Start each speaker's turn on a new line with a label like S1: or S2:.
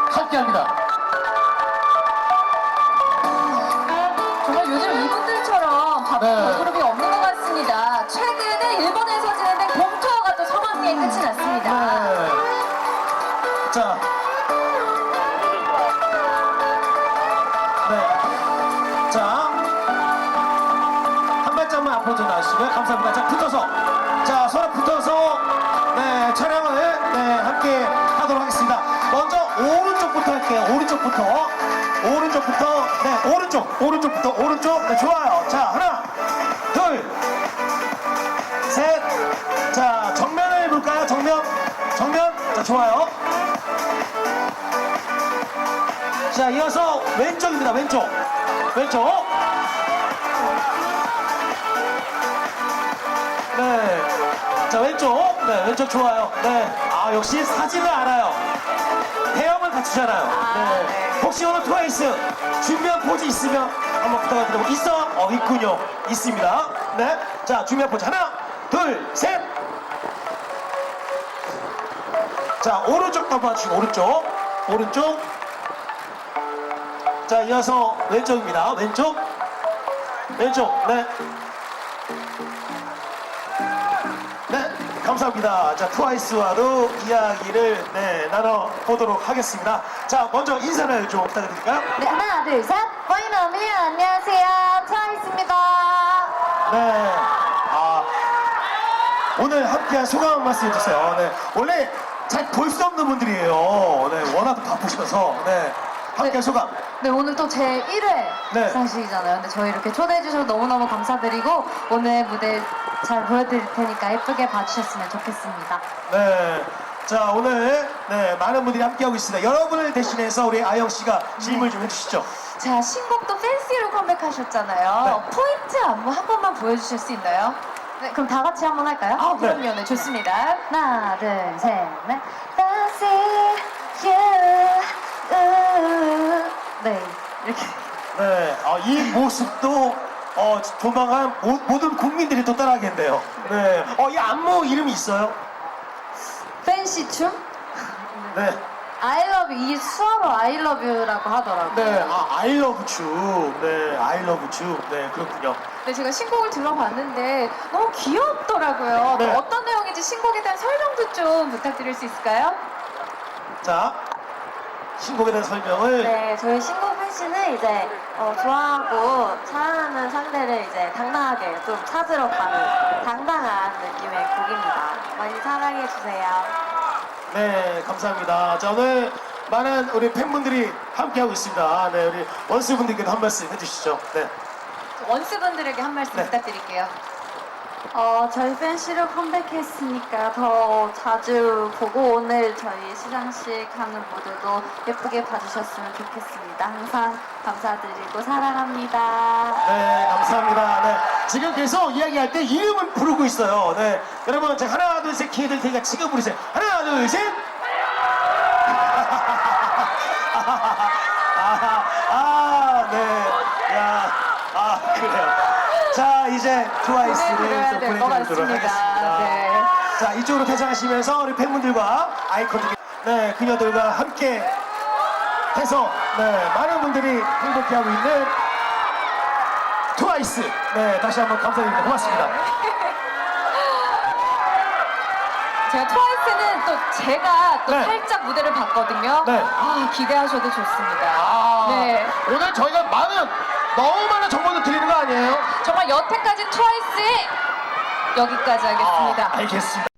S1: 함께합니다.
S2: 정말 요즘 이분들처럼 바쁜
S1: 네.
S2: 걸그룹이 없는 것 같습니다. 최근에 일본에서 진행된 봄투어가 또 성황리에 끝이 났습니다.
S1: 네. 자. 네. 자. 한 발짝만 앞으로 좀 나와주시고요. 감사합니다. 자, 붙어서. 자, 서로 붙어서. 네, 촬영을 네, 함께 하도록 하겠습니다. 먼저 오른쪽부터 할게요. 오른쪽부터. 오른쪽부터. 네, 오른쪽부터. 오른쪽. 네, 좋아요. 자, 하나, 둘, 셋. 자, 정면을 볼까요? 정면. 자, 좋아요. 자, 이어서 왼쪽입니다. 왼쪽. 네. 자, 왼쪽. 네, 왼쪽 좋아요. 네. 아, 역시 사진을 알아요. 헤엄을 갖추잖아요. 네. 혹시 오늘 트와이스 준비한 포즈 있으면 한번 부탁드리고 있어? 있군요. 있습니다. 네. 자, 준비한 포즈 하나, 둘, 셋. 자, 오른쪽 한번 봐주시고 오른쪽. 자, 이어서 왼쪽입니다. 왼쪽. 네. 네, 감사합니다. 자, 트와이스와도 이야기를 네, 나눠보도록 하겠습니다. 자, 먼저 인사를 좀 부탁드릴까요?
S2: 네, 하나, 둘, 셋. 보이너미 안녕하세요. 트와이스입니다.
S1: 네. 오늘 함께한 소감 한 말씀 해주세요. 네. 원래 잘 볼 수 없는 분들이에요. 네, 워낙 바쁘셔서. 네. 함께한 소감.
S2: 네, 오늘 또 제 1회
S1: 네.
S2: 시상식이잖아요. 근데 저희 이렇게 초대해 주셔서 너무너무 감사드리고 오늘 무대 잘 보여드릴 테니까 예쁘게 봐주셨으면 좋겠습니다.
S1: 네. 자, 오늘 네, 많은 분들이 함께하고 있습니다. 여러분을 대신해서 우리 아영 씨가 질문 좀 해주시죠.
S2: 자, 신곡도 팬시로 컴백하셨잖아요.
S1: 네.
S2: 포인트 안무 한 번만 보여주실 수 있나요? 네, 그럼 다 같이 한번 할까요?
S1: 아, 네.
S2: 그럼요. 네, 좋습니다. 하나, 둘, 셋, 넷. Fancy you. 네, 이렇게.
S1: 네. 이 모습도 조만간 모든 국민들이 또 따라하겠네요. 네. 이 안무 이름이 있어요?
S2: 팬시 춤?
S1: 네.
S2: I love you. 이 수어로 I love you라고 하더라고요.
S1: 네. I love you. 네. I love you. 네. 그렇군요.
S2: 네, 제가 신곡을 들어봤는데 너무 귀엽더라고요.
S1: 네.
S2: 어떤 내용인지 신곡에 대한 설명도 좀 부탁드릴 수 있을까요?
S1: 자, 신곡에 대한 설명을.
S3: 네, 저희 신곡 팬시는 이제 좋아하고 사랑하는 상대를 이제 당당하게 좀 찾으러 가는 당당한 느낌의 곡입니다. 많이 사랑해 주세요.
S1: 네. 감사합니다. 자, 오늘 많은 우리 팬분들이 함께하고 있습니다. 네. 우리 원스분들께도 한 말씀 해주시죠. 네.
S2: 원스분들에게 한 말씀
S1: 네.
S2: 부탁드릴게요.
S3: 저희 팬시로 컴백했으니까 더 자주 보고 오늘 저희 시상식 하는 무대도 예쁘게 봐주셨으면 좋겠습니다. 항상 감사드리고 사랑합니다.
S1: 네, 감사합니다. 네. 지금 계속 이야기할 때 이름을 부르고 있어요. 네. 여러분, 제가 하나, 둘, 셋 기회 드릴 테니까 지금 부르세요. 하나, 둘, 셋! 네. 그래요. 자, 이제 트와이스를
S2: 보내드려야
S1: 또
S2: 될것
S1: 보내드리도록
S2: 같습니다.
S1: 하겠습니다.
S2: 네.
S1: 자, 이쪽으로 퇴장하시면서 우리 팬분들과 아이콘들, 네, 그녀들과 함께 해서, 네, 많은 분들이 행복해하고 있는 트와이스. 네, 다시 한번 감사드립니다. 고맙습니다.
S2: 제가 트와이스는 또 제가 또
S1: 네.
S2: 살짝 무대를 봤거든요.
S1: 네.
S2: 기대하셔도 좋습니다. 네.
S1: 오늘 저희가 너무 많은 정보도 드리는 거 아니에요?
S2: 정말 여태까지 트와이스의 여기까지 하겠습니다.
S1: 알겠습니다.